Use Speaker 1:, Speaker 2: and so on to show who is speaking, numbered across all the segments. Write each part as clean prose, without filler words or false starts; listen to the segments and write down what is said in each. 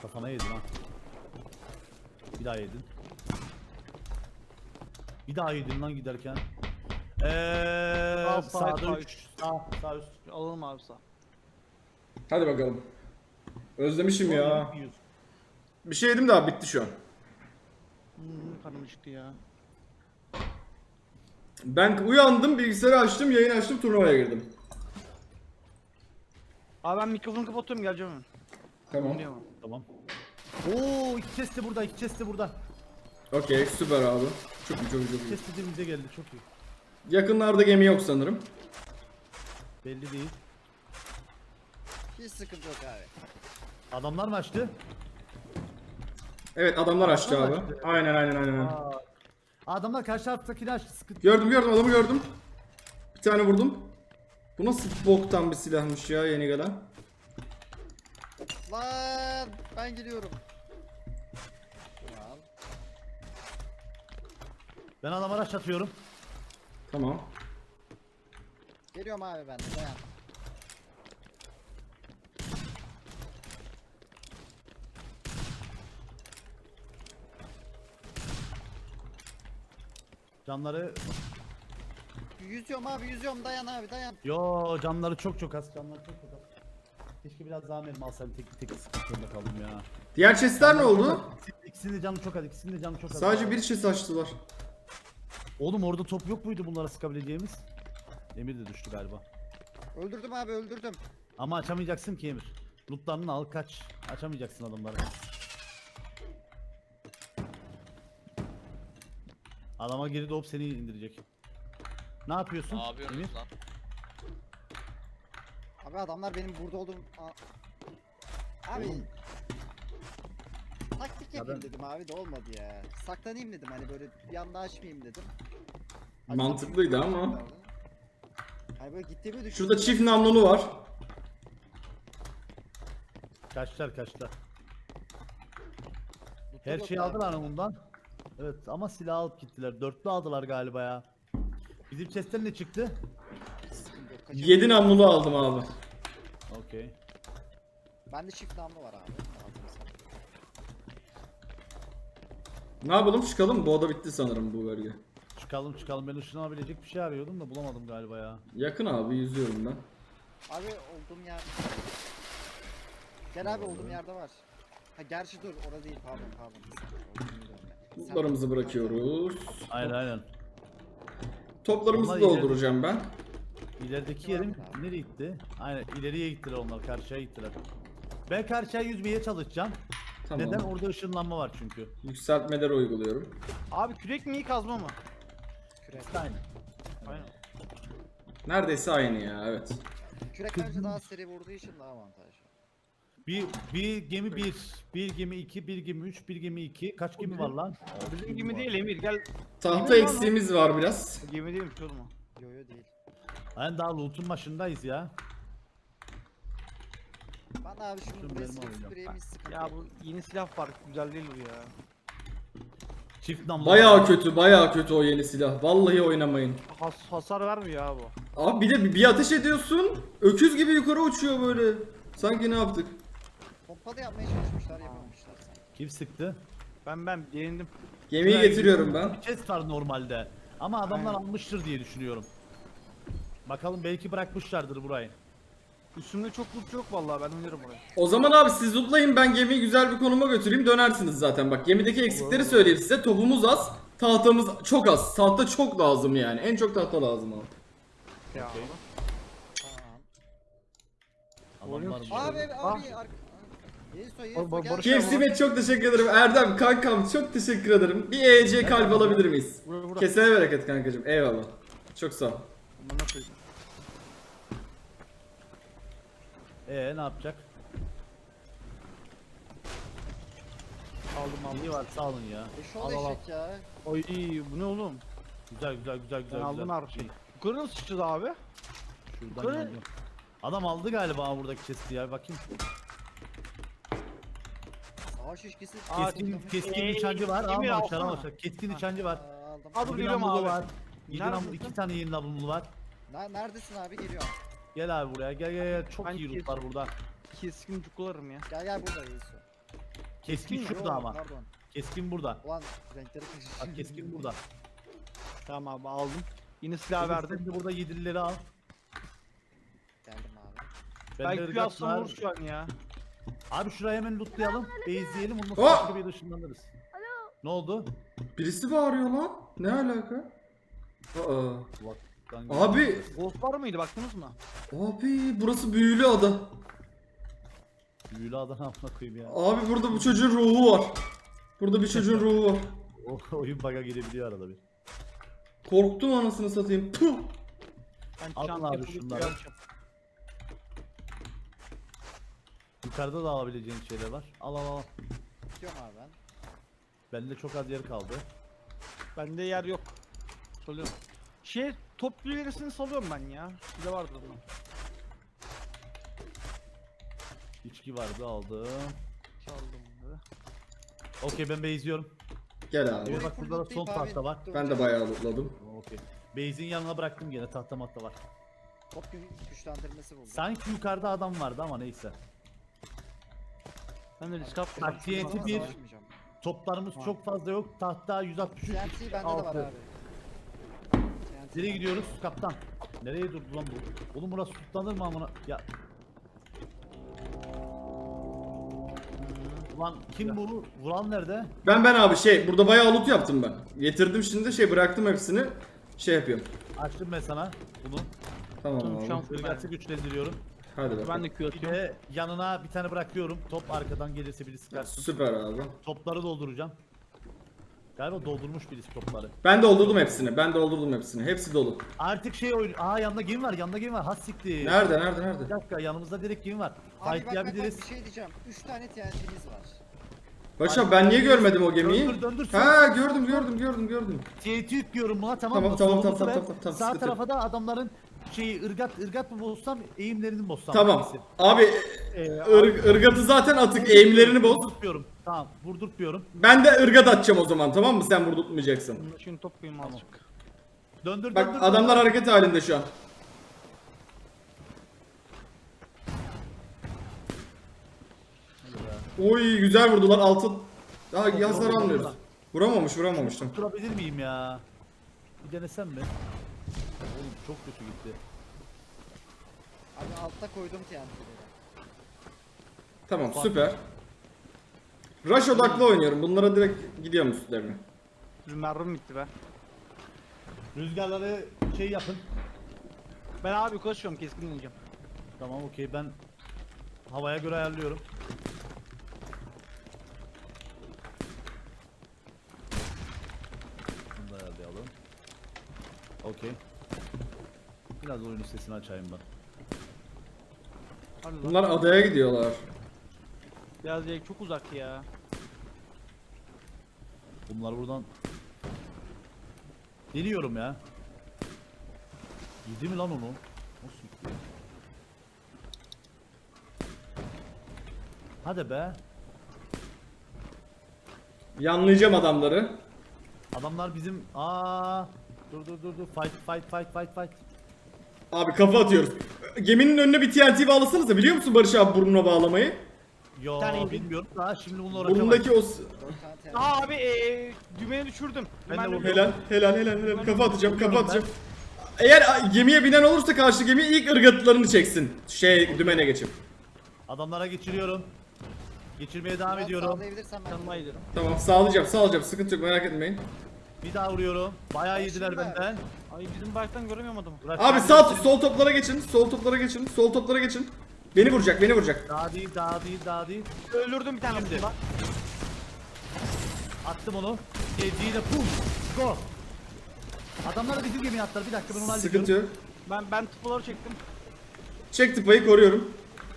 Speaker 1: Kafana yedin ha. Bir daha yedin. Bir daha yedin lan giderken. Sağda 3. Sağ üst.
Speaker 2: Alalım abi sağ.
Speaker 3: Hadi bakalım. Özlemişim ya. Bir şey yedim daha bitti şu an.
Speaker 2: Karnım çıktı ya.
Speaker 3: Ben uyandım, bilgisayarı açtım, yayın açtım, turnuvaya girdim.
Speaker 2: Abi ben mikrofonu kapatıyorum, geleceğim hemen.
Speaker 3: Tamam.
Speaker 2: Dinliyorum.
Speaker 1: Tamam. Oo, iki chest de burada, iki chest de burada.
Speaker 3: Okey, süper abi. Çok iyi, çok iyi, çok
Speaker 1: İki
Speaker 3: iyi.
Speaker 1: chest de dibimize geldi, çok iyi.
Speaker 3: Yakınlarda gemi yok sanırım.
Speaker 1: Belli değil.
Speaker 4: Hiç sıkıntı yok abi.
Speaker 1: Adamlar mı açtı?
Speaker 3: Evet, adamlar açtı
Speaker 1: Adamlar
Speaker 3: abi.
Speaker 1: açtı.
Speaker 3: Aynen.
Speaker 1: Aa. Adamlar karşı taraftakini açtı, sıkıntı.
Speaker 3: Gördüm, adamı gördüm. Bir tane vurdum. Bu nasıl boktan bir silahmış ya yeni gelen.
Speaker 4: Lan ben gidiyorum. Al.
Speaker 1: Ben adamlara araç atıyorum.
Speaker 3: Tamam.
Speaker 4: Geliyorum abi ben de dayan.
Speaker 1: Canları...
Speaker 4: Yüzüyorum abi yüzüyorum dayan abi dayan.
Speaker 1: Yo, canları çok az, canları çok az. Keşke biraz daha mermi alsam, tek sıkıntı zorunda kaldım ya.
Speaker 3: Diğer chestler ne oldu?
Speaker 1: İkisinin de canı çok az, ikisinin de canı çok az.
Speaker 3: Sadece bir chest açtılar.
Speaker 1: Oğlum orada top yok muydu bunlara sıkabileceğimiz? Emir de düştü galiba.
Speaker 4: Öldürdüm abi öldürdüm.
Speaker 1: Ama açamayacaksın ki Emir. Lootlarını al kaç. Açamayacaksın adamları. Adama geri doğup seni indirecek. Ne yapıyorsun?
Speaker 5: Ne yapıyorsunuz
Speaker 1: Emir?
Speaker 5: lan?
Speaker 4: Abi adamlar benim burada olduğum... Abi... Taktik yapayım dedim abi de olmadı ya. Saklanayım dedim hani böyle bir anda açmayayım dedim.
Speaker 3: Mantıklıydı ama.
Speaker 4: Hani böyle gittiğimi düşündüm.
Speaker 3: Şurada çift namlulu var.
Speaker 1: Kaçlar.
Speaker 4: Lootum
Speaker 1: Her
Speaker 4: yok
Speaker 1: şeyi
Speaker 4: abi.
Speaker 1: aldılar ondan. Evet ama silah alıp gittiler. Dörtlü aldılar galiba ya. Bizim chest'ten ne çıktı?
Speaker 4: Sıkıntı yok, kaçırdım.
Speaker 3: 7 namlulu aldım abi.
Speaker 1: Okey.
Speaker 4: Bende çift namlu var abi. Aldım sana.
Speaker 3: Ne yapalım, çıkalım? Bu oda bitti sanırım, bu bölge.
Speaker 1: Çıkalım. Ben ışınlanabilecek bir şey arıyordum da bulamadım galiba ya.
Speaker 3: Yakın abi, yüzüyorum ben.
Speaker 4: Abi olduğum yer... Gel abi olduğum yerde var. Ha gerçi dur orada değil pardon. Olduğum yerde.
Speaker 3: Lootlarımızı bırakıyoruz.
Speaker 1: Aynen.
Speaker 3: Toplarımızı
Speaker 1: Onlar
Speaker 3: dolduracağım ben.
Speaker 1: İlerideki yerim nereye gitti? Aynen ileriye gittiler onlar, karşıya gittiler. Ben karşıya yüzmeye çalışacağım.
Speaker 3: Tamam.
Speaker 1: Neden? Orada ışınlanma var çünkü.
Speaker 3: Yükseltmeleri uyguluyorum.
Speaker 2: Abi kürek mi iyi kazma mı?
Speaker 4: Kürek.
Speaker 1: Aynen.
Speaker 2: Aynen.
Speaker 3: Neredeyse aynı ya, evet.
Speaker 4: Kürek bence daha seri vurduğu için daha avantajlı.
Speaker 1: Bir gemi 1 gemi 2, bir gemi 3, bir gemi 2. Kaç gemi var lan?
Speaker 2: Bizim gemi değil Emir, gel.
Speaker 3: Tahta eksiğimiz var biraz.
Speaker 2: Gemi değilmiş oğlum o.
Speaker 4: Yo değil.
Speaker 1: Aynen daha loot'un başındayız ya.
Speaker 4: Ben abi şunu
Speaker 1: Şunu
Speaker 4: buraya
Speaker 1: benim
Speaker 4: sıkıp
Speaker 1: alacağım.
Speaker 4: süpüreyim hiç sıkıntı
Speaker 2: Ya
Speaker 4: yok.
Speaker 2: bu yeni silah var, güzel değil bu ya.
Speaker 1: Çift namlu.
Speaker 3: Bayağı kötü o yeni silah. Vallahi oynamayın.
Speaker 2: Hasar vermiyor abi bu.
Speaker 3: Abi bir de bir ateş ediyorsun. Öküz gibi yukarı uçuyor böyle. Sanki ne yaptık?
Speaker 4: Pompalı yapmaya çalışmışlar yapamamışlar sanki.
Speaker 1: Kim sıktı?
Speaker 2: Ben yenildim.
Speaker 3: Gemiyi getiriyorum ben.
Speaker 1: Bir chest var normalde. Ama adamlar
Speaker 2: Aynen.
Speaker 1: almıştır diye düşünüyorum. Bakalım belki bırakmışlardır burayı.
Speaker 2: Üstümde çok loot yok vallahi, ben oynarım oraya.
Speaker 3: O zaman abi siz lootlayın, ben gemiyi güzel bir konuma götüreyim, dönersiniz zaten. Bak gemideki eksikleri söyleyeyim size. Topumuz az, tahtamız çok az. Tahta çok lazım yani. En çok tahta lazım abi.
Speaker 2: Ya.
Speaker 1: Okey.
Speaker 4: Tamam.
Speaker 1: Adamlar
Speaker 2: Oyun-
Speaker 1: burada.
Speaker 4: Abi Yeso
Speaker 2: Barış
Speaker 4: gel.
Speaker 2: abi.
Speaker 3: KFC Met çok teşekkür ederim. Erdem kankam çok teşekkür ederim. Bir EC kalp alabilir miyiz?
Speaker 2: Burada.
Speaker 3: Kesene bereket kankacım. Eyvallah. Çok sağ ol.
Speaker 2: Bunu nasıl koyayım?
Speaker 1: Ne yapacak?
Speaker 2: Aldım.
Speaker 1: İyi var sağ olun ya.
Speaker 4: Eşol
Speaker 1: Al.
Speaker 4: eşek ya.
Speaker 2: Oy bu ne oğlum?
Speaker 1: Güzel.
Speaker 2: Ben aldım her şeyi. Yukarı nasıl çıktı abi?
Speaker 1: Şuradan
Speaker 2: Yukarı-
Speaker 1: geldim. Adam aldı galiba buradaki chest'i ya, bakayım.
Speaker 4: Savaş şişkisi.
Speaker 1: Keskin nişancı var.
Speaker 2: Emir
Speaker 1: Almamışlar.
Speaker 2: alsana.
Speaker 1: Keskin nişancı var.
Speaker 4: Aldım.
Speaker 2: Hadi
Speaker 1: Bir
Speaker 2: geliyorum
Speaker 1: namlulu
Speaker 2: abi.
Speaker 1: var.
Speaker 2: Neredesin?
Speaker 1: 2 tane yeni namlulu var.
Speaker 4: Neredesin abi geliyorum.
Speaker 1: Gel abi buraya. Gel. Çok
Speaker 2: Ben
Speaker 1: iyi loot var burada.
Speaker 2: Keskin cukularım ya.
Speaker 4: Gel burada Yeso.
Speaker 1: Keskin
Speaker 4: Yok,
Speaker 1: şurada ama.
Speaker 4: Pardon.
Speaker 1: Keskin burada.
Speaker 4: Ulan renkleri kaçırdım.
Speaker 1: Bak keskin burada.
Speaker 2: Tamam abi aldım. Yine silah
Speaker 1: Verdim.
Speaker 2: verdim.
Speaker 1: Sen de burada 7'lileri al.
Speaker 4: Geldim abi.
Speaker 1: Ben de
Speaker 2: Belki
Speaker 1: ırgat
Speaker 2: atsam
Speaker 1: var.
Speaker 2: olur şu an ya.
Speaker 1: Abi şurayı hemen lootlayalım. Base'leyelim. Ondan
Speaker 3: Oh!
Speaker 1: sonra bir ışınlanırız. Ne oldu?
Speaker 3: Birisi bağırıyor lan. Ne alaka? Aa.
Speaker 1: Kulaktan
Speaker 3: Abi,
Speaker 2: Ghost var mıydı baktınız mı?
Speaker 3: abi burası büyülü ada.
Speaker 1: Büyülü adana amına koyayım ya.
Speaker 3: Abi burada bu çocuğun ruhu var. Burada bir çocuğun ruhu var.
Speaker 1: O oyun bug'a girebiliyor arada bir.
Speaker 3: Korktum anasını satayım. Puh.
Speaker 2: Ben
Speaker 1: Alın
Speaker 2: çantayı
Speaker 1: abi
Speaker 2: bulup
Speaker 1: şunları.
Speaker 2: geleceğim.
Speaker 1: Yukarıda da alabileceğin şeyler var. Al al al.
Speaker 4: Tutuyorum abi ben.
Speaker 1: Bende çok az yer kaldı.
Speaker 2: Bende yer yok. Salıyorum. Top bilgilerini salıyorum ben ya. Size vardır bunun.
Speaker 1: İçki vardı aldım.
Speaker 2: Çaldım bunları.
Speaker 1: Okey ben base'liyorum.
Speaker 3: Gel abi.
Speaker 1: Evet bak burada da son tahta var.
Speaker 3: Ben de bayağı lootladım.
Speaker 1: Okey. Base'in yanına bıraktım gene tahta matta var.
Speaker 4: Top güçlendirmesi buldum.
Speaker 1: Sanki yukarıda adam vardı ama neyse.
Speaker 2: Ben de risk atmıyorum.
Speaker 1: Bak TNT
Speaker 4: Ama
Speaker 1: bir.
Speaker 4: savaşmayacağım.
Speaker 1: Toplarımız
Speaker 2: Ha.
Speaker 1: çok fazla yok. Tahta 163.
Speaker 4: TNT bende de var
Speaker 1: Altı.
Speaker 4: abi. TNT
Speaker 1: Nereye
Speaker 4: bende.
Speaker 1: gidiyoruz kaptan? Nereye durdu lan bu? Oğlum burası tutlanır mı amına? Ya. Ulan kim bu? Vuran nerede?
Speaker 3: Ben abi burada bayağı loot yaptım ben. Getirdim şimdi bıraktım hepsini. Yapıyorum.
Speaker 1: Açtım ben sana bunu.
Speaker 3: Tamam
Speaker 2: Şu an
Speaker 3: abi.
Speaker 1: Irgatı güçlendiriyorum.
Speaker 3: Hadi
Speaker 2: ben
Speaker 3: bakalım.
Speaker 2: de Q
Speaker 1: Bir
Speaker 2: atıyorum.
Speaker 1: de yanına bir tane bırakıyorum. Top arkadan gelirse birisi kaçsın.
Speaker 3: Süper abi.
Speaker 1: Topları dolduracağım. Galiba doldurmuş birisi topları.
Speaker 3: Ben doldurdum hepsini. Hepsi dolu.
Speaker 1: Artık şey oyun. Aa yanında game var. Yanında game var. Has siktir.
Speaker 3: Nerede?
Speaker 1: Bir dakika yanımızda direkt game var.
Speaker 4: Abi
Speaker 1: Fight
Speaker 4: bak
Speaker 1: yapabiliriz.
Speaker 4: bir şey diyeceğim. 3 tane TNT'miz var.
Speaker 3: Başak ben niye görmedim o gemiyi?
Speaker 1: Döndür.
Speaker 3: Ha gördüm.
Speaker 1: TNT yüklüyorum buna tamam mı?
Speaker 3: Tamam,
Speaker 1: Solumuzu
Speaker 3: tamam,
Speaker 1: ver.
Speaker 3: tamam,
Speaker 1: Sağ
Speaker 3: sıkıntı yok.
Speaker 1: tarafa da adamların ırgat mı bozsam eğimlerini mi bozsam?
Speaker 3: Tamam.
Speaker 1: hangisi?
Speaker 3: Abi ırgatı zaten atık. Eğimlerini boz.
Speaker 1: Vurdurtmuyorum. Tamam vurdurtmuyorum.
Speaker 3: Ben de ırgat atacağım o zaman, tamam mı? Sen vurdurtmayacaksın.
Speaker 2: Şimdi top koyayım azıcık.
Speaker 1: Döndür.
Speaker 3: Bak adamlar hareket halinde şu an. Oy güzel vurdular altı. Daha yazları anlıyoruz. Vuramamış tamam.
Speaker 1: Tutturabilir miyim ya? Bir denesem mi? Oğlum çok kötü gitti.
Speaker 4: Abi altta koydum TNT'leri.
Speaker 3: Tamam süper. Rush odaklı oynuyorum. Bunlara direkt gidiyorum üstlerine.
Speaker 2: Bizim mermim bitti be.
Speaker 1: Rüzgarları şey yapın.
Speaker 2: Ben abi yukarı çıkıyorum keskin ineceğim.
Speaker 1: Tamam okey ben havaya göre ayarlıyorum. Bunu da ayarlayalım. Okey. Biraz oyunun sesini açayım ben.
Speaker 2: Hadi lan.
Speaker 3: Bunlar adaya gidiyorlar.
Speaker 2: Biraz çok uzak ya.
Speaker 1: Bunlar buradan deniyorum ya. Yedi mi lan onu? Nasıl gitti? Hadi be.
Speaker 3: Yanlayacağım adamları.
Speaker 1: Adamlar bizim dur fight.
Speaker 3: Abi kafa atıyoruz. Geminin önüne bir TNT bağlasanız da biliyor musun Barış abi burnuna bağlamayı?
Speaker 1: Yo
Speaker 2: tane indim.
Speaker 1: bilmiyorum da şimdi bununla uğraşamam.
Speaker 3: Burnundaki o...
Speaker 4: 4 tane TNT.
Speaker 2: Aa abi dümeni düşürdüm.
Speaker 1: Ben de
Speaker 2: Dümen
Speaker 1: vurdum.
Speaker 3: Helal. Kafa atacağım. Eğer gemiye binen olursa karşı gemi ilk ırgatlarını çeksin. Dümene geçip.
Speaker 1: Adamlara geçiriyorum. Geçirmeye devam
Speaker 4: Biraz
Speaker 1: ediyorum.
Speaker 4: sağlayabilirsem ben.
Speaker 2: Yanıma gidelim.
Speaker 3: Tamam sağlayacağım. Sıkıntı yok merak etmeyin.
Speaker 1: Bir daha vuruyorum. Bayağı
Speaker 4: Ben
Speaker 1: yediler
Speaker 4: şimdi-
Speaker 1: benden.
Speaker 2: Ay bizim bayraktan göremiyorum adamı.
Speaker 1: Uğraş-
Speaker 3: Abi sol toplara geçin. Sol toplara geçin. Beni vuracak.
Speaker 1: Daha değil.
Speaker 2: Öldürdüm bir tane
Speaker 1: Şimdi.
Speaker 2: aslında.
Speaker 1: Attım onu. Geldiğine pum. Go. Adamlar da bizim gemiye attılar. Bir dakika ben onu hallediyorum.
Speaker 3: Sıkıntı yok.
Speaker 2: Ben tıpaları çektim.
Speaker 3: Çek tıpayı koruyorum.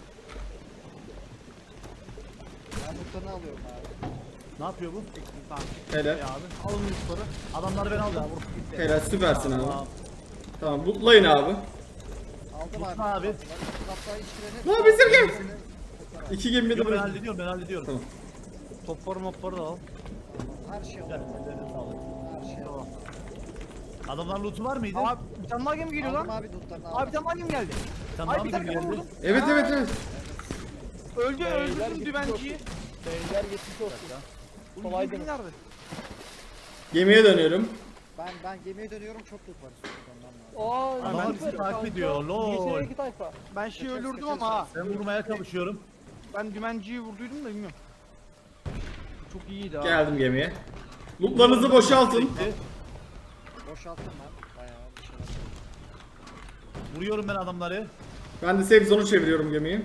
Speaker 4: Ben muhtarını alıyorum abi.
Speaker 1: Ne yapıyor bu?
Speaker 2: Çektim tamam.
Speaker 3: Helal.
Speaker 2: Ya abi alın yukarı.
Speaker 1: Adamları ben aldım.
Speaker 3: Helal süpersin abi.
Speaker 1: Tamam.
Speaker 3: Tamam lootlayın abi.
Speaker 4: Aldım
Speaker 1: Mutlu
Speaker 4: abi.
Speaker 1: abi.
Speaker 4: Hatta işlerini...
Speaker 3: Lan bizim gemi. İki gemi de
Speaker 1: Yo, ben
Speaker 3: buraya.
Speaker 1: hallediyorum.
Speaker 3: Tamam.
Speaker 2: Topları mopları da al.
Speaker 4: Her şey
Speaker 1: Gel,
Speaker 4: alıyorum.
Speaker 1: ellerine sağlık.
Speaker 4: Her şey alıyorum.
Speaker 1: Adamlar lootu var mıydı?
Speaker 2: Abi bir tane daha gemi geliyor
Speaker 4: Aldım
Speaker 2: lan.
Speaker 4: abi lootlarını
Speaker 2: Abi
Speaker 4: aldım.
Speaker 2: bir tane daha gemi geldi.
Speaker 1: Sen
Speaker 2: Ay
Speaker 1: daha
Speaker 2: bir
Speaker 1: mı
Speaker 2: tane
Speaker 1: geldi?
Speaker 2: vurdum.
Speaker 3: Evet.
Speaker 2: Öldürdüm dümenciyi.
Speaker 5: Beyler geçmiş olsun.
Speaker 2: Bu
Speaker 5: Kolaydı
Speaker 2: gemi
Speaker 5: mı?
Speaker 2: nerede?
Speaker 3: Gemiye dönüyorum.
Speaker 4: Ben gemiye dönüyorum, çok loot var üstünde, ondan lazım.
Speaker 5: Aa,
Speaker 1: Adamlar
Speaker 5: süper
Speaker 1: bizi takip
Speaker 5: kanka.
Speaker 1: ediyor, lol.
Speaker 5: İngiltere'ye iki tayfa.
Speaker 2: Ben şeyi
Speaker 4: Kaçarız,
Speaker 2: öldürdüm
Speaker 4: kaçarız.
Speaker 2: ama ha.
Speaker 1: Ben vurmaya çalışıyorum.
Speaker 2: Ben dümenciyi vurduydum da bilmiyorum. Çok iyiydi ha.
Speaker 3: Geldim gemiye. Lootlarınızı boşaltın.
Speaker 1: Bitti.
Speaker 4: Boşalttım ben. Bayağı bir şeyler.
Speaker 1: Vuruyorum ben adamları.
Speaker 3: Ben de safe zone'u çeviriyorum gemiyi.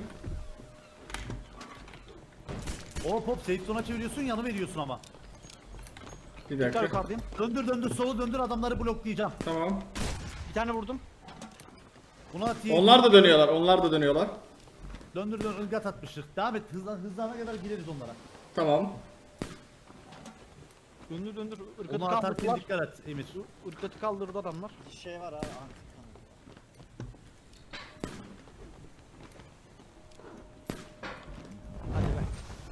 Speaker 1: Hop hop safe zone'a çeviriyorsun, yanı veriyorsun ama.
Speaker 3: Bir
Speaker 2: Tekrar
Speaker 3: dakika.
Speaker 2: yukarıdayım.
Speaker 1: Döndür solu döndür, adamları bloklayacağım.
Speaker 3: Tamam.
Speaker 2: Bir tane vurdum.
Speaker 1: Buna atayım.
Speaker 3: Onlar da dönüyorlar. Onlar da dönüyorlar.
Speaker 1: Döndür ılgat atmıştık. Devam et, hızlana kadar gireriz onlara.
Speaker 3: Tamam.
Speaker 2: Döndür. Irkatı
Speaker 1: Onu atarken
Speaker 2: kaldırdılar.
Speaker 1: dikkat et Emir.
Speaker 2: Irkatı kaldırdı adamlar.
Speaker 4: Bir şey var abi. Tamam.
Speaker 2: Hadi be.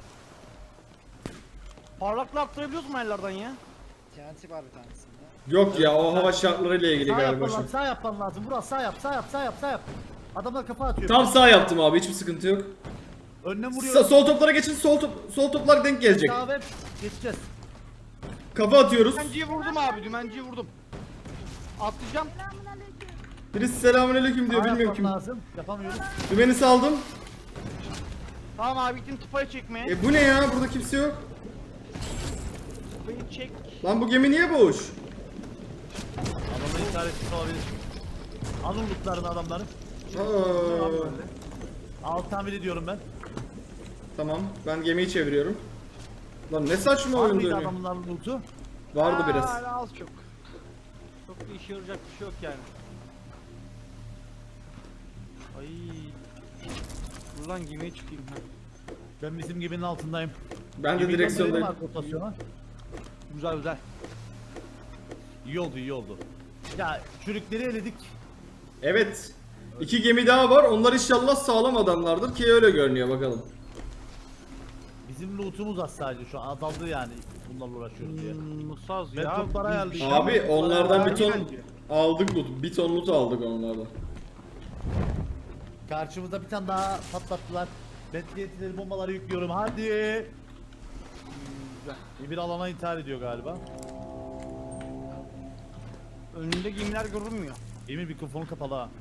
Speaker 2: Parlaklığı arttırabiliyoruz mu ellerden ya?
Speaker 4: TNT var bir tanesinde.
Speaker 3: Yok ya, o hava şartlarıyla ilgili
Speaker 1: Sağ
Speaker 3: galiba
Speaker 1: yapman
Speaker 3: şu.
Speaker 1: lazım, sağ yapman lazım. Vural sağ yap. Adamlar kafa atıyor.
Speaker 3: Tam sağ yaptım abi, hiçbir sıkıntı yok.
Speaker 1: Önüne vuruyorum.
Speaker 3: Sol toplara geçin, sol toplar denk gelecek.
Speaker 1: Sağ ve geçeceğiz.
Speaker 3: Kafa atıyoruz.
Speaker 2: Dümenciyi vurdum abi, dümenciyi vurdum. Atlayacağım.
Speaker 3: Birisi selamünaleyküm diyor,
Speaker 1: Sağ
Speaker 3: bilmiyorum
Speaker 1: yapman
Speaker 3: kim.
Speaker 1: lazım. Yapamıyoruz.
Speaker 3: Dümeni saldım.
Speaker 2: Tamam abi, gittim tıpayı çekmeye.
Speaker 3: Bu ne ya, burada kimse yok.
Speaker 2: Tıpayı çek.
Speaker 3: Lan bu gemi niye boş?
Speaker 1: Adamların işaretli olabilir. Alın lootlarını adamların. Alt tamir ediyorum ben.
Speaker 3: Tamam, ben gemiyi çeviriyorum. Lan ne saçma
Speaker 1: Var
Speaker 3: oyun
Speaker 1: mıydı
Speaker 3: dönüyor.
Speaker 1: adamların lootu?
Speaker 3: Vardı biraz.
Speaker 2: Hala az çok. Çok da işe yarayacak bir şey yok yani. Ay. Dur lan gemiye çıkayım ha.
Speaker 1: Ben bizim geminin altındayım.
Speaker 3: Ben de
Speaker 1: Gemiden
Speaker 3: direksiyondayım.
Speaker 1: dönelim abi rotasyona.
Speaker 2: Güzel.
Speaker 1: İyi oldu. Ya çürükleri eledik.
Speaker 3: Evet. 2 gemi daha var. Onlar inşallah sağlam adamlardır ki öyle görünüyor, bakalım.
Speaker 1: Bizim lootumuz az sadece şu an azaldı yani bunlarla uğraşıyoruz diye.
Speaker 2: Musaz
Speaker 1: Ben
Speaker 2: ya.
Speaker 1: toplara
Speaker 2: biz
Speaker 1: ayarlayacağım.
Speaker 2: şey
Speaker 3: Abi
Speaker 2: yapıyoruz.
Speaker 3: onlardan bir
Speaker 2: Bence.
Speaker 3: ton aldık loot. Bir ton loot aldık onlardan.
Speaker 1: Karşımızda bir tane daha patlattılar. Betliyetleri bombaları yüklüyorum hadi. Bir alana intihar ediyor galiba.
Speaker 2: Önünde gemiler görünmüyor.
Speaker 1: Emir mikrofonu kapalı ha.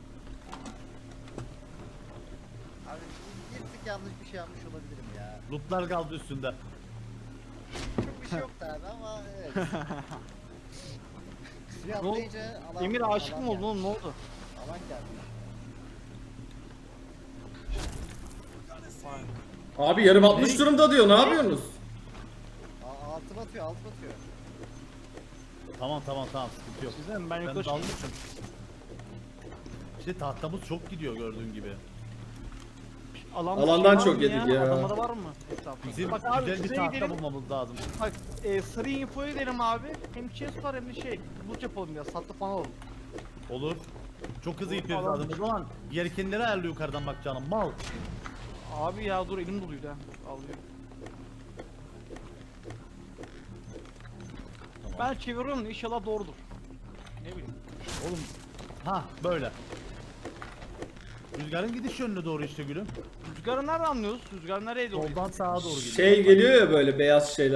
Speaker 4: Abi bir tık yanlış bir şey yapmış olabilirim ya.
Speaker 1: Lootlar kaldı üstünde.
Speaker 4: Çok bir şey yoktu abi ama evet. Suya
Speaker 2: Ne oldu?
Speaker 4: atlayınca alan,
Speaker 2: Emir aşık
Speaker 4: alan
Speaker 2: mı oldu
Speaker 4: geldi.
Speaker 2: oğlum, ne oldu?
Speaker 4: Alan geldi.
Speaker 3: Abi yarım 60 durumda diyor. Ne yapıyorsunuz?
Speaker 4: Altı batıyor.
Speaker 1: Tamam sıkıntı yok.
Speaker 2: Sizden ben
Speaker 1: Ben
Speaker 2: yukarı
Speaker 1: dalmışım.
Speaker 2: çıkmışım.
Speaker 1: İşte tahtamız çok gidiyor gördüğün gibi.
Speaker 3: Alandan çok yedik ya.
Speaker 2: Adamda da var mı? Etrafta.
Speaker 1: Bizim
Speaker 2: Bak abi
Speaker 1: güzel bir
Speaker 2: şuraya
Speaker 1: tahta
Speaker 2: gidelim.
Speaker 1: bulmamız lazım.
Speaker 2: Bak sarı infoyu verelim abi. Hem chest var hem de şey. Loot yapalım ya, satlı falan alalım.
Speaker 1: Olur. Çok hızlı gidiyoruz
Speaker 2: Alan-
Speaker 1: lazım. O zaman yelkenleri ayarlı yukarıdan bak canım mal.
Speaker 2: Abi ya dur, elim doluydu ha. Alıyor. Ben çeviriyorum da inşallah doğrudur. Ne bileyim.
Speaker 1: Oğlum ha böyle. Rüzgarın gidiş yönüne doğru işte gülüm.
Speaker 2: Rüzgarı nereden anlıyoruz? Rüzgar nereye doğru?
Speaker 1: Soldan sağa doğru gidiyor.
Speaker 3: Şey geliyor ya, böyle beyaz şeyler.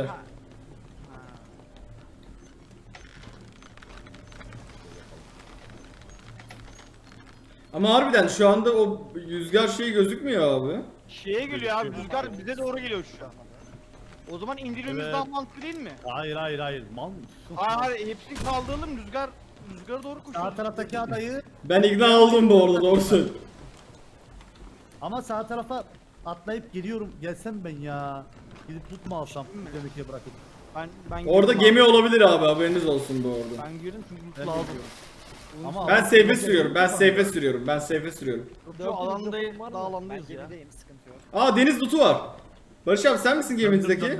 Speaker 3: Ama harbiden şu anda o rüzgar şeyi gözükmüyor abi.
Speaker 2: Şeye geliyor abi, rüzgar bize doğru geliyor şu an. O zaman indirilmemiz
Speaker 1: Evet.
Speaker 2: daha mantıklı değil mi?
Speaker 1: Hayır. Mal mısın?
Speaker 2: Hayır, hepsini kaldıralım, rüzgara doğru
Speaker 1: Sağ
Speaker 2: koşuyoruz.
Speaker 1: taraftaki adayı
Speaker 3: Ben ikna oldum bu arada, doğru söylüyorsun.
Speaker 1: ama sağ tarafa atlayıp geliyorum. Gelsem ben ya. Gidip tutma alsam. Demek bırakıp.
Speaker 2: Ben
Speaker 3: Orada
Speaker 2: girdim
Speaker 3: gemi
Speaker 2: abi.
Speaker 3: olabilir abi, haberiniz olsun bu arada.
Speaker 2: Ben girdim çünkü
Speaker 1: Ben
Speaker 2: loot lazım.
Speaker 1: gidiyorum. Ama
Speaker 3: Ben safe'e sürüyorum, ben safe'e sürüyorum.
Speaker 2: Şu alandayız,
Speaker 5: var mı?
Speaker 2: daha
Speaker 4: Ben
Speaker 2: alandayız ya.
Speaker 4: gemideyim, sıkıntı yok.
Speaker 3: Aa, deniz loot'u var. Barış abi sen misin geminizdeki?
Speaker 1: Döndüm.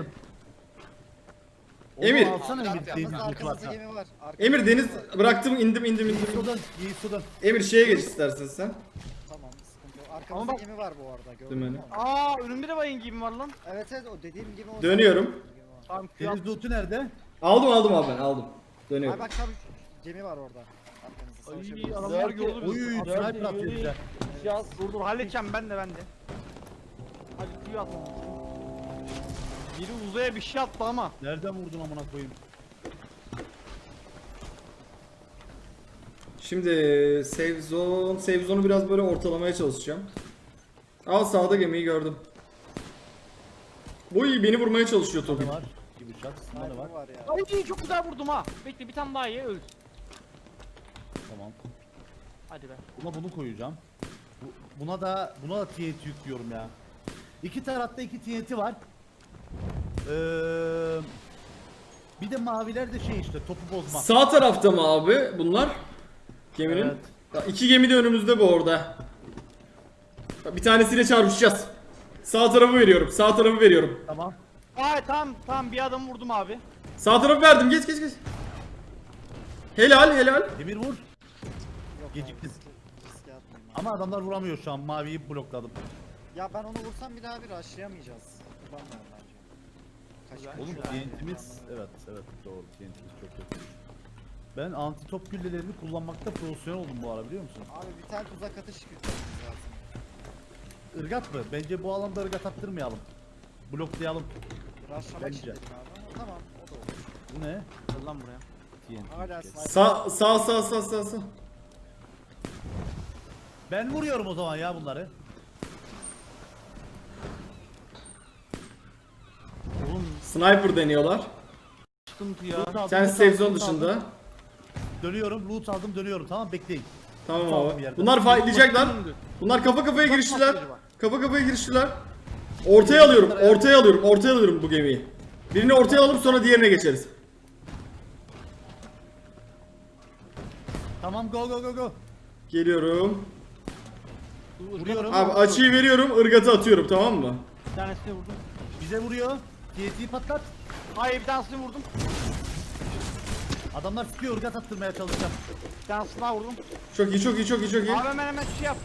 Speaker 3: Emir.
Speaker 1: Onu alsana Emir.
Speaker 4: Arkamızda
Speaker 1: Deniz
Speaker 4: arkamızda
Speaker 1: varsa.
Speaker 4: gemi var.
Speaker 3: Emir deniz bıraktım, indim.
Speaker 1: İyi sudan.
Speaker 3: Emir şeye geç istersen sen.
Speaker 4: Tamam, sıkıntı yok. Arkamızda
Speaker 2: bak-
Speaker 4: gemi var bu arada. Gördün
Speaker 3: Dümeni.
Speaker 4: mü?
Speaker 2: Aa, önümde de bayın gemi var lan.
Speaker 4: Evet o dediğim gibi o.
Speaker 3: Dönüyorum.
Speaker 4: Gemi var.
Speaker 2: Tamam, Q
Speaker 1: Deniz lootu nerede?
Speaker 3: Aldım abi, ben aldım.
Speaker 4: Ay
Speaker 3: Dönüyorum.
Speaker 4: bak tabii gemi var orada. Arkamızda
Speaker 2: Ay,
Speaker 4: savaşabiliriz.
Speaker 2: adamlar
Speaker 5: Dört-
Speaker 2: gördü bizi.
Speaker 1: Oy
Speaker 5: Dört
Speaker 1: sniper
Speaker 5: yürü.
Speaker 1: atıyor bize.
Speaker 5: Yaz.
Speaker 2: Dur halledeceğim ben de. Hadi Q atalım. Biri uzaya bir şey attı ama.
Speaker 1: Nereden vurdun amına koyayım?
Speaker 3: Şimdi save zone'u biraz böyle ortalamaya çalışacağım. Aa sağda gemiyi gördüm. Bu iyi beni vurmaya çalışıyor
Speaker 1: Ne
Speaker 3: Tobi.
Speaker 1: var? Bir bıçak, ne var?
Speaker 4: Var ya.
Speaker 2: Ay çok güzel vurdum ha. Bekle bir tane daha ye öl.
Speaker 1: Tamam.
Speaker 2: Hadi be.
Speaker 1: Buna bunu koyacağım. Buna da TNT yüklüyorum ya. İki tarafta iki TNT var. Bir de maviler de şey işte topu bozma.
Speaker 3: Sağ tarafta mı abi bunlar? Geminin.
Speaker 1: Evet.
Speaker 3: Ya, İki gemi de önümüzde bu orada. Bir tanesiyle çarpışacağız. Sağ tarafı veriyorum. Sağ tarafı veriyorum.
Speaker 1: Tamam.
Speaker 2: Ay tamam bir adam vurdum abi.
Speaker 3: Sağ tarafı verdim. Geç. Helal.
Speaker 1: Demir vur.
Speaker 4: Yok
Speaker 1: Geciktin.
Speaker 4: Riske atmayayım abi.
Speaker 1: Ama adamlar vuramıyor şu an. Maviyi blokladım.
Speaker 4: Ya ben onu vursam bir daha bir rushlayamayacağız. Kullanmıyorum bence.
Speaker 2: Güzel.
Speaker 1: Oğlum TNT'miz evet doğru TNT'miz çok kötü. Ben anti top güllelerini kullanmakta profesyonel oldum bu ara biliyor musun?
Speaker 4: Abi bir tane tuzak atış yüklememiz lazım.
Speaker 1: Irgat mı? Bence bu alanda ırgat attırmayalım. Bloklayalım.
Speaker 4: Rushlamak
Speaker 1: Bence.
Speaker 4: için dedim abi ama tamam o da olur.
Speaker 1: Bu ne?
Speaker 2: Gel lan buraya.
Speaker 1: TNT.
Speaker 4: Hala
Speaker 1: kes.
Speaker 4: sniper.
Speaker 3: Sağ.
Speaker 1: Ben vuruyorum o zaman ya bunları.
Speaker 2: Oğlum
Speaker 3: Sniper deniyorlar.
Speaker 2: sıkıntı ya.
Speaker 1: Loot aldım,
Speaker 3: Sen
Speaker 1: loot
Speaker 3: save
Speaker 1: aldım,
Speaker 3: zone
Speaker 1: loot aldım.
Speaker 3: dışında.
Speaker 1: Dönüyorum, loot aldım, dönüyorum. Tamam bekleyin.
Speaker 3: Tamam
Speaker 1: Tamam,
Speaker 3: abi.
Speaker 1: yerden.
Speaker 3: Bunlar fightlayacaklar. Bunlar kafa kafaya giriştiler. Ortaya alıyorum bu gemiyi. Birini ortaya alıp sonra diğerine geçeriz.
Speaker 1: Tamam go.
Speaker 3: Geliyorum.
Speaker 1: Vuruyorum.
Speaker 3: Abi açıyı veriyorum, ırgatı atıyorum tamam mı?
Speaker 2: Bir tanesini vurdum.
Speaker 1: Bize vuruyor. TNT'yi patlat.
Speaker 2: Hayır bir tanesini vurdum.
Speaker 1: Adamlar sıkıyor, ırgat attırmaya çalışacağım.
Speaker 2: Bir tanesini daha vurdum.
Speaker 3: Çok iyi.
Speaker 2: Abi hemen şey yap.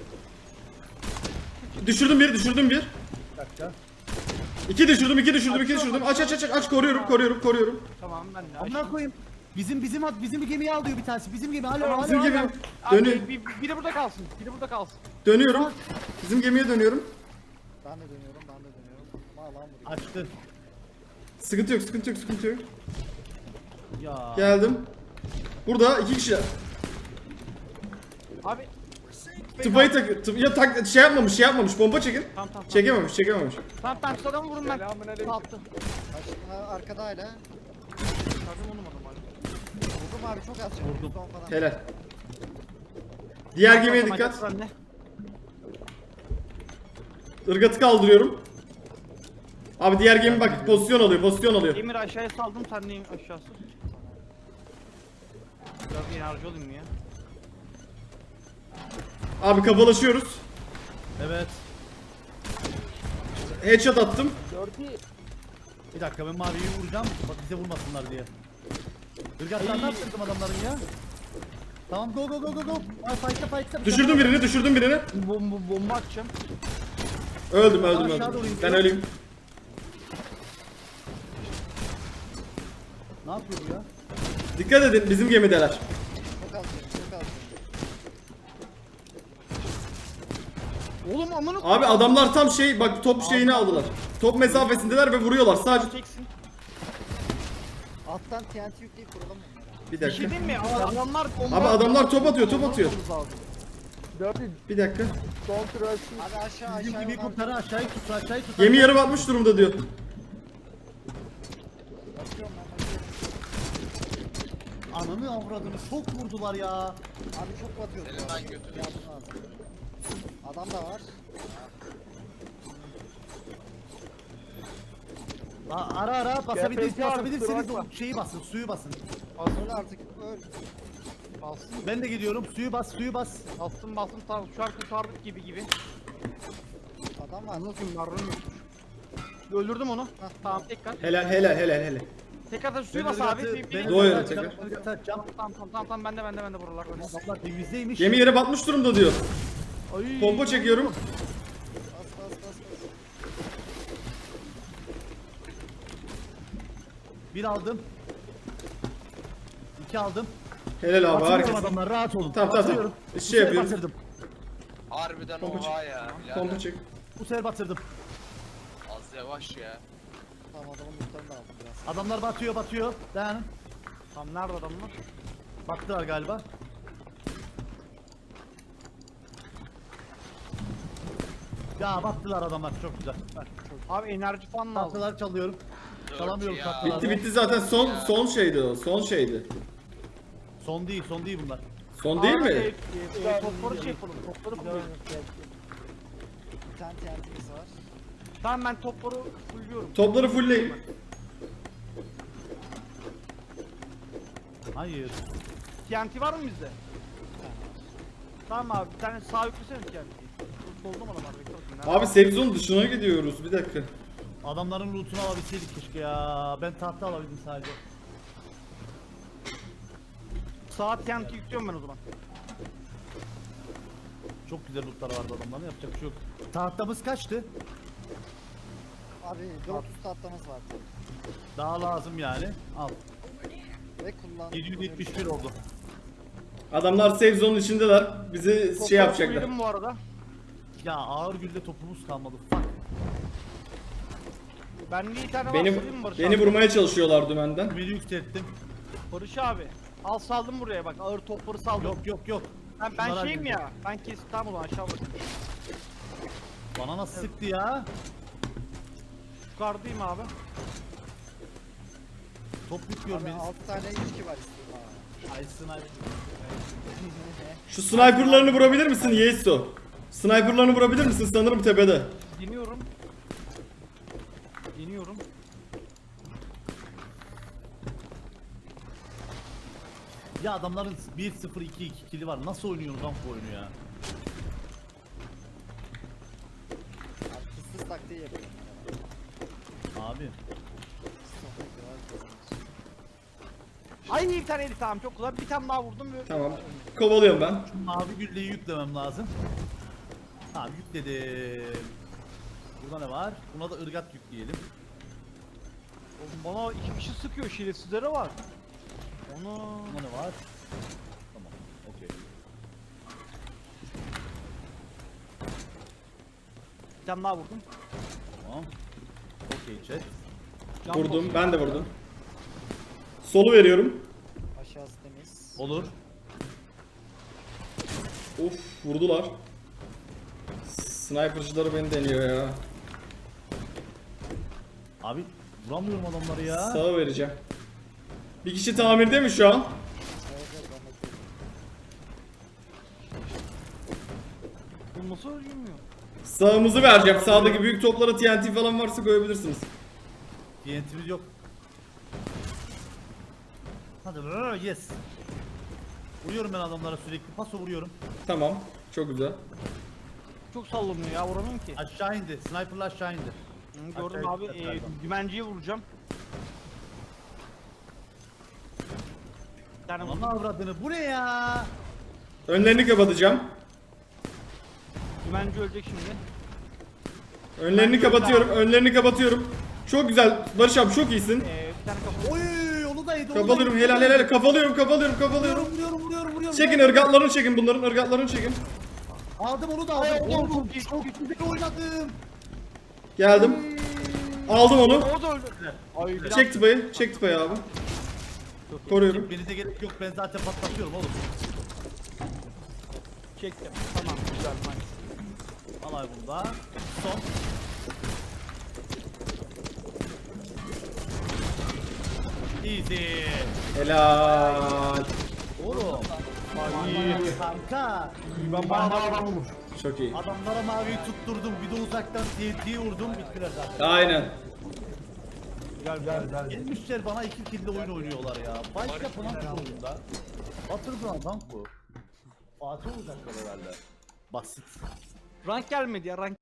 Speaker 3: Düşürdüm bir.
Speaker 1: Bir dakika.
Speaker 3: İki düşürdüm. Aç koruyorum.
Speaker 2: Tamam ben de.
Speaker 1: Amına koyayım. Bizim gemiyi alıyor bir tanesi. Bizim gemi. Alo.
Speaker 3: Bizim gemi.
Speaker 2: Abi biri burada kalsın.
Speaker 3: Dönüyorum. Bizim gemiye dönüyorum.
Speaker 4: Ben de dönüyorum. Ama alan vuruyor.
Speaker 1: Açtı.
Speaker 3: Sıkıntı yok.
Speaker 1: Ya.
Speaker 3: Geldim. Burada iki kişiler.
Speaker 2: Abi.
Speaker 3: Tıpayı şey yapmamış. Bomba çekin.
Speaker 2: Tamam.
Speaker 3: Çekememiş.
Speaker 2: Tamam şu adamı vurun ben. Attı.
Speaker 4: Arkada hala.
Speaker 2: Sardım onu adam.
Speaker 4: Vurdum abi çok az.
Speaker 1: Vurdum.
Speaker 4: Son falan.
Speaker 3: Helal. Diğer gemiye dikkat. Irgatı kaldırıyorum. Abi diğer gemi bak pozisyon alıyor.
Speaker 2: Emir aşağıya saldım sen neyim aşağısı. Biraz enerji olayım ya.
Speaker 3: Abi kafalaşıyoruz.
Speaker 1: Evet.
Speaker 3: Headshot attım.
Speaker 1: Bir dakika ben maviyi vuracağım. Bak bize vurmasınlar diye. Irgatlarını attırdım adamların ya. Tamam go. Ay, fight'ta.
Speaker 3: Düşürdüm birini.
Speaker 2: Bomba atacağım.
Speaker 3: Öldüm.
Speaker 1: Aşağı doğru
Speaker 3: Ben
Speaker 1: iniyor.
Speaker 3: öleyim.
Speaker 1: Ne yapıyor bu ya?
Speaker 3: Dikkat edin bizim gemideler.
Speaker 4: Çok az.
Speaker 2: Oğlum amına
Speaker 3: Abi adamlar tam bak top şeyini aldılar. Top mesafesindeler ve vuruyorlar sadece.
Speaker 2: çeksin.
Speaker 4: Alttan TNT yükleyip kuralım onları.
Speaker 3: Bir
Speaker 2: Bir şey
Speaker 3: dakika.
Speaker 2: diyeyim mi? Adamlar bomba
Speaker 3: Abi adamlar top atıyor.
Speaker 2: Dördü.
Speaker 3: Bir dakika.
Speaker 4: Abi aşağı
Speaker 1: Bizim gemiyi
Speaker 4: onlar-
Speaker 1: kurtarın aşağıyı tut.
Speaker 3: Gemi yarım atmış durumda diyor.
Speaker 4: Bakıyorum ben.
Speaker 1: Ananı avradını çok vurdular ya.
Speaker 4: Abi çok batıyor.
Speaker 5: Elinden götür.
Speaker 4: Yardım lazım. Adam da var.
Speaker 1: Ara
Speaker 2: kusura
Speaker 1: basabilirsiniz
Speaker 2: bakma.
Speaker 1: o şeyi basın, suyu basın.
Speaker 4: Öl artık öl.
Speaker 2: Bastım.
Speaker 1: Ben de gidiyorum. Suyu bas.
Speaker 2: Bastım tamam şu an kurtardık gibi.
Speaker 4: Adam var.
Speaker 2: Anlatayım marronu yokmuş. Öldürdüm onu. Tamam tekrar.
Speaker 3: Helal.
Speaker 2: Tekrar suyu
Speaker 1: Ben
Speaker 2: bas abi.
Speaker 1: ırgatı- ben
Speaker 3: Doğru,
Speaker 1: ırgatı
Speaker 3: tekrar.
Speaker 1: atacağım, ırgatı atacağım.
Speaker 2: Tamam bende buralar.
Speaker 1: Adamlar temizleymiş.
Speaker 3: Gemi yere batmış durumda diyor.
Speaker 2: Ay.
Speaker 3: Pompa çekiyorum.
Speaker 4: Bas.
Speaker 1: Bir aldım. 2 aldım.
Speaker 3: Helal abi
Speaker 1: Batırıyorum
Speaker 3: harikasın.
Speaker 1: adamlar rahat olun.
Speaker 3: Tamam.
Speaker 1: Batırıyorum.
Speaker 3: Bir
Speaker 1: Bu
Speaker 3: şey
Speaker 1: sefer
Speaker 3: yapıyorum.
Speaker 1: batırdım.
Speaker 5: Harbiden
Speaker 3: Pompa
Speaker 5: oha ya.
Speaker 3: Pompa çek.
Speaker 1: Bu sefer batırdım.
Speaker 5: Az yavaş ya.
Speaker 4: aldım biraz.
Speaker 1: Adamlar batıyor. Dayanın.
Speaker 2: Tam nerede adamlar?
Speaker 1: Battılar galiba. Ya battılar adamlar, çok güzel.
Speaker 2: Abi enerji falan lazım.
Speaker 1: Tahtalar çalıyorum. Çalamıyorum
Speaker 5: ya.
Speaker 1: tahtaları.
Speaker 3: Bitti zaten son şeydi o. Son şeydi.
Speaker 1: Son değil bunlar.
Speaker 3: Son değil mi?
Speaker 2: Topları şey yapalım. Topları fulluyorum.
Speaker 4: Bir tane TNT'miz var.
Speaker 2: Tamam ben topları fulluyorum.
Speaker 3: Topları fullleyin.
Speaker 1: Hayır.
Speaker 2: TNT var mı bizde? Tamam abi bir tane sağ yüklesene TNT'yi. Solda mı adamlar? Bekle bakayım. Nerede?
Speaker 3: Abi safe zone dışına gidiyoruz. Bir dakika.
Speaker 1: Adamların lootunu alabilseydik keşke ya. Ben tahta alabildim sadece.
Speaker 2: Sağ TNT yüklüyorum ben o zaman.
Speaker 1: Çok güzel lootlar vardı adamların, yapacak bir şey yok. Tahtamız kaçtı?
Speaker 4: Abi 400 tahtamız var.
Speaker 1: Daha lazım yani. Al.
Speaker 4: Ve kullan.
Speaker 1: 771 oldu.
Speaker 3: Adamlar safe zone'un içindeler. Bizi
Speaker 2: Topları
Speaker 3: şey yapacaklar.
Speaker 2: fullledim bu arada.
Speaker 1: Ya ağır gülde topumuz kalmadı. Fuck.
Speaker 2: Ben bir tane var
Speaker 3: Beni
Speaker 2: salayım mı Barış
Speaker 3: beni
Speaker 2: abi?
Speaker 3: vurmaya çalışıyorlar dümenden.
Speaker 1: Beni yükselttim.
Speaker 2: Barış abi. Al saldım buraya bak ağır topları saldım.
Speaker 1: Yok.
Speaker 2: Ben
Speaker 1: Şunları
Speaker 2: şeyim
Speaker 1: halledeceğim.
Speaker 2: ya. Ben kes tamam o zaman aşağı bakın.
Speaker 1: Bana nasıl sıktı ya?
Speaker 2: Yukarıdayım abi.
Speaker 1: Top yüklüyorum
Speaker 4: Abi
Speaker 1: beni.
Speaker 4: 6 tane ilki var istiyorum.
Speaker 1: Ay sniper.
Speaker 3: Şu sniperlarını vurabilir misin Yeso? Sniperlarını vurabilir misin? Sanırım tepede.
Speaker 2: Deniyorum. Deniyorum.
Speaker 1: Ya adamların 1-0-2-2 kili var. Nasıl oynuyorsunuz lan bu oyunu ya?
Speaker 4: Abi fıstık taktiği yapıyorum.
Speaker 1: Abi.
Speaker 2: Ay bir tane eli tamam çok güzel. Bir tane daha vurdum ve
Speaker 3: Tamam. Kovalıyorum ben.
Speaker 1: Mavi gülleyi yüklemem lazım. Tamam yükledim. Burada ne var? Buna da ırgat yükleyelim.
Speaker 2: Oğlum bana iki kişi sıkıyor şerefsizlere var. Onu
Speaker 1: Bunda ne var? Tamam. Okey.
Speaker 2: bir tane daha vurdum.
Speaker 1: Tamam. Okey chat.
Speaker 2: Can
Speaker 3: Vurdum.
Speaker 2: basıyor.
Speaker 3: Ben de vurdum. Solu veriyorum.
Speaker 4: Aşağısı temiz.
Speaker 1: Olur.
Speaker 3: Of vurdular. Sniper'cıları beni deniyor ya.
Speaker 1: Abi vuramıyorum adamları ya.
Speaker 3: Sağa vereceğim. Bir kişi tamirde mi şu an?
Speaker 4: Evet ben bakıyorum.
Speaker 2: Bu nasıl ölmüyor?
Speaker 3: Sağımızı vereceğim. Sağdaki büyük toplara TNT falan varsa koyabilirsiniz.
Speaker 1: TNT'miz yok. Hadi yes. Vuruyorum ben adamlara sürekli. Paso vuruyorum.
Speaker 3: Tamam. Çok güzel.
Speaker 2: Çok sallanıyor ya vuramıyorum ki.
Speaker 1: Aşağı indi. Sniper'la aşağı indi.
Speaker 2: Hı, gördüm
Speaker 1: aşağı
Speaker 2: abi
Speaker 1: gideceğiz galiba.
Speaker 2: dümenciyi vuracağım. Bir tane
Speaker 1: Ananı
Speaker 2: vurdum.
Speaker 1: avradını. Bu ne ya?
Speaker 3: Önlerini kapatacağım.
Speaker 2: Dümenci ölecek şimdi.
Speaker 3: Önlerini kapatıyorum. Önlerini kapatıyorum. Çok güzel. Barış abi çok iyisin.
Speaker 2: Bir tane kafa.
Speaker 1: Oy onu da yedi.
Speaker 3: Kapalıyorum. Helal. Kapalıyorum.
Speaker 1: Vuruyorum.
Speaker 3: Çekin ırgatlarını çekin bunların. Irgatlarını çekin.
Speaker 1: Aldım onu da aldım.
Speaker 2: Ay,
Speaker 1: Oğlum
Speaker 2: çok iyi,
Speaker 1: çok güzel oynadım.
Speaker 3: Geldim. Aldım onu.
Speaker 2: O da öldü. Ay bir
Speaker 3: Çek tıpayı. Çek tıpayı abi. Koruyorum.
Speaker 1: Beni de gerek yok. Ben zaten patlatıyorum oğlum.
Speaker 2: çektim. Tamam güzel nice.
Speaker 1: Alay bunda. Son. Easy.
Speaker 3: Helal.
Speaker 1: Oğlum.
Speaker 2: İyi.
Speaker 1: Kanka.
Speaker 2: Ben bana vurmuş.
Speaker 3: Çok iyi.
Speaker 1: Adamlara maviyi tutturdum. Bir de uzaktan TNT'yi vurdum. Bittiler zaten.
Speaker 3: Aynen.
Speaker 2: Güzel.
Speaker 1: Gelmişler bana 2 kill'de oyun oynuyorlar ya. Baş yapın lan şu oyunda. Batırdı adam bu. Fatih olacaklar herhalde. Basit.
Speaker 2: Rank gelmedi ya rank